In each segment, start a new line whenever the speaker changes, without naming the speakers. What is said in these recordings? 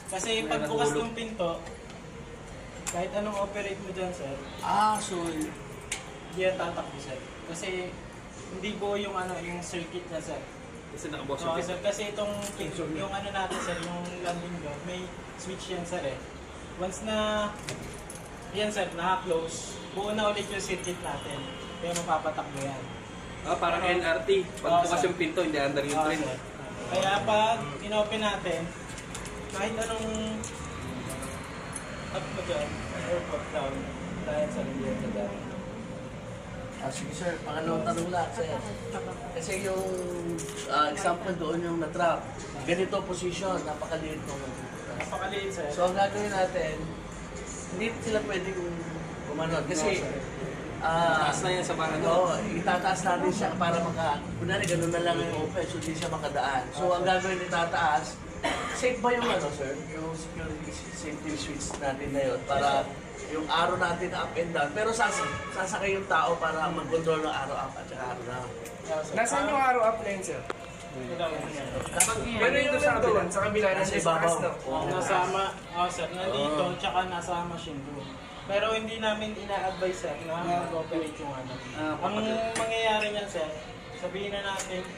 Kasi pagbukas ng pinto, kahit anong operate mo dyan, sir,
So,
hindi yan tatakbo, sir. Kasi hindi buo yung yung circuit niya, sir.
Kasi nakabox
So, sir, kasi yung natin, sir, yung landing gear, may switch yan, sir, eh. Once na, yan, sir, naka-close, buo na ulit yung circuit natin. Kaya mapapatakbo yan.
Parang NRT. Pag bukas yung pinto, hindi under yung train.
Sir. Kaya pag in-open natin, kahit anong up mo dyan, or pop down, dahil sa hindi yan sa down.
sige sir, pangalawang tanong lang sir. Kasi yung example doon yung na-trap, ganito position, napakaliit nung
Napakaliit, sir.
So ang gagawin natin, hindi sila pwedeng gumanon. Kasi,
Taas na yan sa barang.
itataas natin siya para kunwari ganun na lang yung open, so hindi siya makadaan. So ang gagawin itataas, safe ba yung sir? Yung security safety switch natin na yun para yung arrow natin up and down. Pero sasakay yung tao para mag-control ng arrow up at saka arrow down.
Nasaan yung arrow up lane, sir? Pero yung sa kabila,
Nasa ibabaw.
Nasama, sir, nandito, tsaka nasa machine room. Pero hindi namin ina-advise, sir, na mag-operate yung Ang mangyayari niyan, sir, sabihin na natin,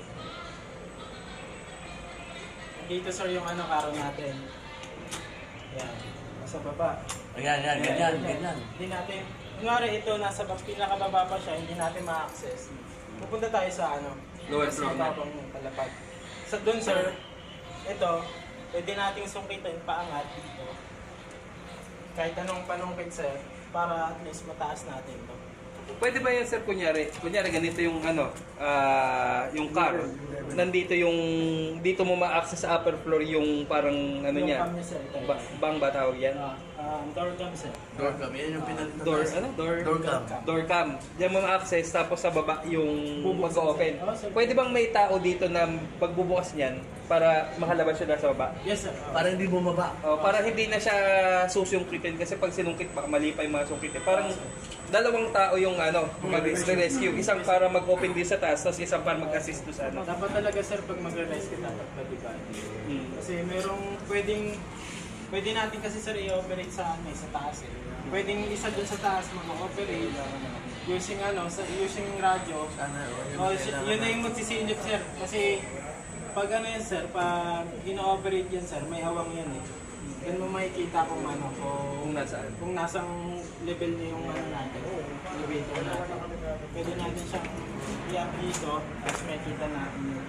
dito, sir, yung karo natin. Yan, nasa baba.
Ayan, ganyan.
Hindi natin, kunwari ito, nasa pinakababa pa siya, hindi natin ma-access. Pupunta tayo sa
Lower floor na.
mababang palapag. Sa dun, sir, ito, pwede nating sungkitin paangat dito. Kahit anong panungkit, sir, para at least mataas natin to.
Pwede ba yan, sir, kunyari ganito yung yung car, nandito yung, dito mo ma-access sa upper floor yung parang
Yung
niya,
cam niya, sir, ito.
bang ba tawag yan?
Door cam, sir.
Door cam, yan yung pinalitan.
Door
cam.
Door cam. Diyan mo ma-access, tapos sa baba yung
Bubuksan,
mag-open.
sir. Sir.
Pwede bang may tao dito na pagbubukas niyan para makalabas siya nasa baba?
Yes, sir.
Para hindi bumaba.
Para hindi na siya susungkitin kasi pag sinungkit baka mali pa yung mga sungkitin. Parang dalawang tao yung mag-rescue. Isang para mag-open din sa taas, tapos isang para mag-assist doon sa
Dapat talaga, sir, pag magre-rescue, dapat balikan. Kasi merong pwede natin kasi, sir, i-operate sa taas, eh. Pwedeng isa dun sa taas mag-operate using using radyo. Yun na yung magsisilip, sir. Kasi pag yan, sir, pag ino-operate yan, sir, may hawang yan, eh. Yan mo makikita kung kung nasang level na yung natin, elevator natin. Pwede natin siyang i-up dito, tapos makikita natin yun.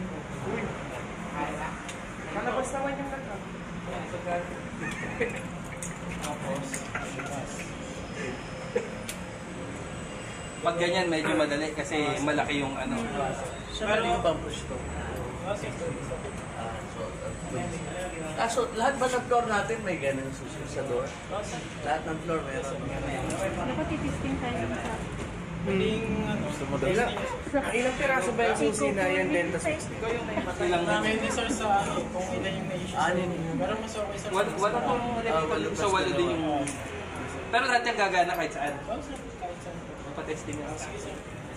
Malabas naman yung nagka.
Tapos,
Pag ganyan, medyo madali kasi malaki yung
Siya yung push to. So, lahat ba ng floor natin may ganun susunod sa door? Lahat ng floor meron.
Dapat titisting tayo sa...
Ilang piraso ba yung susi na yan din?
ilang
Depende, sir, sa kung ilan yung na-issue. Pero mas okay, sir.
wala pong sa walo din yung... Pero lahat yung gagana kahit saan.
Sir, kahit saan.
Patesting na.
Sige, sir.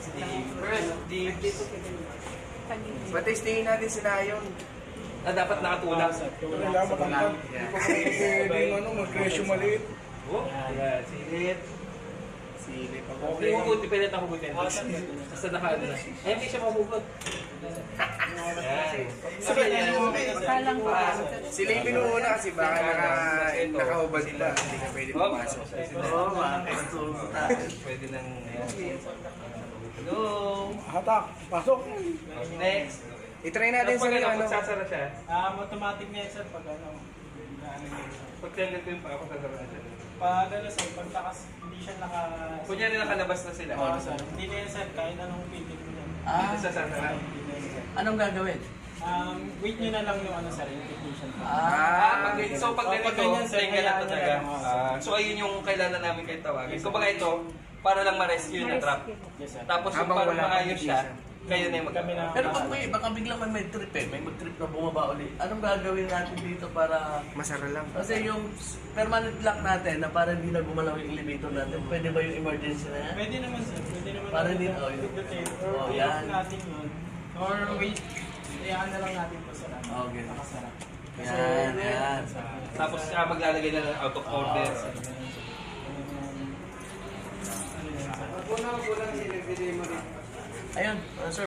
Patestingin natin sila yun.
Dapat nakatulak.
Kailangan makapag. Hindi ko mag-ratio maliit.
Yan, silip.
Silip ako.
Okay, hugutin. Pilit ako hugutin. Basta nakaano na. Hindi siya mahugot.
Kalang po.
Silipin mo muna kasi baka nakahubad pa. Hindi ka pwede pumasok.
Pwede nang... Hello.
Hatak, pasok.
Next.
I-try natin sa
Pag
ano.
magsasara siya,
Automatic na yan, sir, pag
pag tinanong ko yung pa, sasara na siya.
pag sir, pag hindi siya
Kunyari nakalabas na sila.
sir, hindi na yan, sir, kahit anong pilit mo yan.
Ito sasara.
Anong gagawin?
Wait nyo na lang yung sir, yung technician.
Pag ganito,
ganyan, sir,
tingnan na
hayaan
talaga.
nyo lang.
So ayun yung kailangan namin kayo tawagin. Kumbaga ito, para lang ma-rescue na trap.
Yes, sir.
Tapos yung
Habang
para
wala pang
maayos siya, kayo na yung
Kami na.
Pero pag baka biglang may trip may mag-trip na bumaba ulit. Anong gagawin natin dito para...
Masara lang.
Kasi yung permanent lock natin na para hindi na gumalaw yung elevator natin, pwede ba yung emergency na yan?
Pwede naman, sir. Pwede naman.
Para
natin
din,
with the tape. Or
yan.
i-off natin yun. Or wait, hayaan na lang natin po, sir.
Okay.
Nakasara.
Yan.
Tapos maglalagay na ng out of order.
Kulang sila, bigay mo rin.
Ayun, sir.